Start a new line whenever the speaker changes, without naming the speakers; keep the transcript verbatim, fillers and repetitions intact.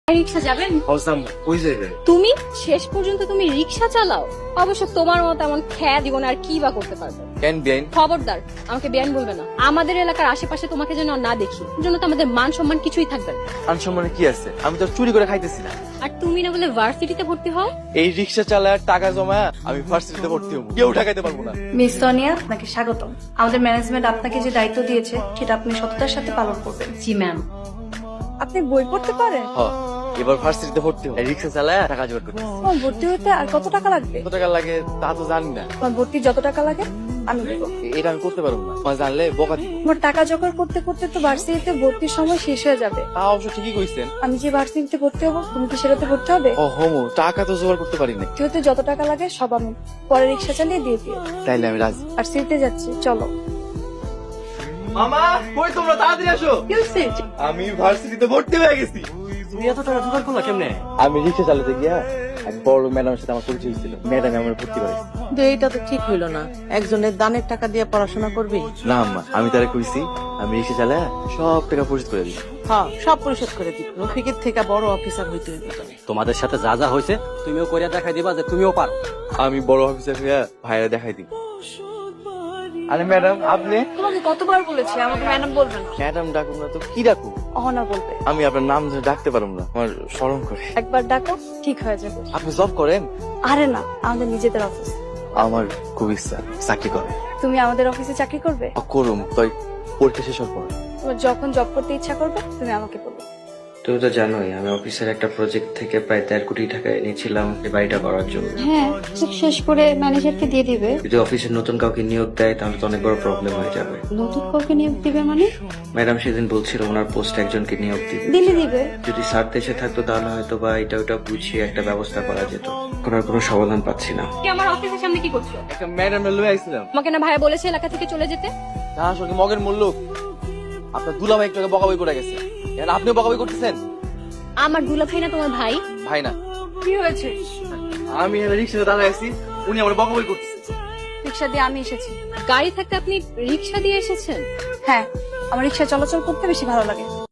রিক্সা যাবেন?
কই যাবে?
তুমি শেষ পর্যন্ত তুমি রিক্সা চালাও? অবশ্য তোমার মতো এমন খেয়া দিব না আর কি বা করতে পারবে।
কেন বেআইন?
খবরদার আমাকে বেআইন বলবে না। আমাদের এলাকার আশেপাশে তোমাকে যেন না দেখি, এর জন্য তো আমাদের মান সম্মান কিছুই থাকবে না।
মান সম্মানে কি আছে? আমি তো চুরি করে খাইতেছি না।
আর তুমি না বলে ভার্সিটিতে ভর্তি হও?
এই রিক্সা চালায় টাকা জমা আমি ভার্সিটিতে ভর্তি হবো, কেউ ঠেকাইতে পারবো না।
মিস সোনিয়া, আপনাকে স্বাগতম। আমাদের ম্যানেজমেন্ট আপনাকে যে দায়িত্ব দিয়েছে সেটা আপনি সততার সাথে পালন করবেন।
জি ম্যাম।
আপনি বই পড়তে পারেন?
হ, এবার ভার্সিটিতে ভর্তি হবো। রিক্সা চালায় টাকা জোগাড় করতে।
আমার ভর্তি হতে আর কত টাকা লাগবে?
কত টাকা লাগে তা তো জানি না।
আমার ভর্তি যত টাকা লাগে আমি দেবো।
এটা আমি করতে পারবো না, তোমার জানলে বকা দিব।
আমার টাকা জোগাড় করতে করতে তো ভার্সিটিতে ভর্তির সময় শেষ হয়ে যাবে।
তা অবশ্য ঠিকই কইছেন।
আমি যে ভার্সিটিতে ভর্তি হবো তুমি কি সেটাতে ভর্তি হবে?
ও হোমো, টাকা তো জোগাড় করতে পারি না।
ভর্তি হতে যত টাকা লাগে সব আমি পরে রিক্সা চালিয়ে দিয়ে দিও।
তাইলে আমি রাজি।
আর সিটে যাচ্ছি, চলো।
মামা, কই তোমরা তাড়াতাড়ি আসো।
কি হয়েছে?
আমি ভার্সিটিতে ভর্তি হয়ে গেছি।
তুমি এত টাকা জোগাড় করলা কেমনে?
আমি রিক্সা চালাতে গিয়া এক বড় ম্যাডামের সাথে আমার পরিচয় হয়েছিল। ম্যাডাম আমার ভর্তি করেছে।
কিন্তু এইটা তো ঠিক হইলো না। একজনের দানের টাকা দিয়ে পড়াশোনা করবি?
না আম্মা, আমি তারা কইছি আমি রিক্সা চালায় সব টাকা পরিশোধ করে দিই।
হ্যাঁ, সব পরিশোধ করে দিবি। রফিকের থেকে বড় অফিসার হইতে হইবে তোরে।
তোমাদের সাথে যা যা হয়েছে তুমিও করিয়া দেখাই দিবা যে তুমিও পারো।
আমি বড় অফিসার হইয়া ভাইরা দেখাই দিই। আরে ম্যাডাম, আপনি?
তোমাকে কতবার বলেছি আমাকে ম্যাডাম বলবে না।
ম্যাডাম ডাকুন না তো কি ডাকু?
অহনা বলবে।
আমি আপনার নাম ধরে ডাকতে পারবো না, আমার শরম করে।
একবার ডাকো, ঠিক হয়ে যাবে।
আপনি জব করেন?
আরে না, আমাদের নিজেদের অফিস।
আমার খুব ইচ্ছা চাকরি করে।
তুমি আমাদের অফিসে চাকরি করবে?
করুম, তাই পরীক্ষা শেষ হওয়ার পর।
তোমার যখন জব করতে ইচ্ছা করবে তুমি আমাকে বলবে।
তুমি তো জানোই আমি অফিসের একটা প্রজেক্ট থেকে প্রায় দেড় কোটি টাকা এনেছিলাম এই বাড়িটা করার জন্য।
হ্যাঁ, শেষ করে ম্যানেজারকে দিয়ে দিবে।
যদি অফিসের নতুন কাউকে নিয়োগ দেয় তাহলে তো অনেক বড় প্রবলেম হয়ে যাবে।
নতুন কাউকে নিয়োগ দিবে মানে?
ম্যাডাম সেদিন বলছিল ওনার পোস্টে একজনকে নিয়োগ দিবে।
দিলে দিবে।
যদি স্যার দেশে থাকতো তাহলে হয়তো বা এটা ওটা বুঝিয়ে একটা ব্যবস্থা করা যেত। করার কোনো সমাধান পাচ্ছি না।
কি আমার অফিসের সামনে কি করছো?
একটা ম্যাডাম লয়ে আইছিলাম।
তোমাকে না ভাইয়া বলেছে এলাকা থেকে চলে যেতে?
না আসলে মগের মূল্য আপনার দুলাভাই একটু আগে বকাবই করে গেছে। এখন আপনিও বকাবই করতেছেন?
আমার দুলা ভাই না তোমার ভাই?
ভাই না।
কি হয়েছে?
আমি রিক্সাতে দাঁড়ায় আছি, উনি আমার বকাবই করতেছে।
রিক্সা দিয়ে আমি এসেছি।
গাড়ি থাকতে আপনি রিক্সা দিয়ে এসেছেন?
হ্যাঁ, আমার রিক্সা চলাচল করতে বেশি ভালো লাগে।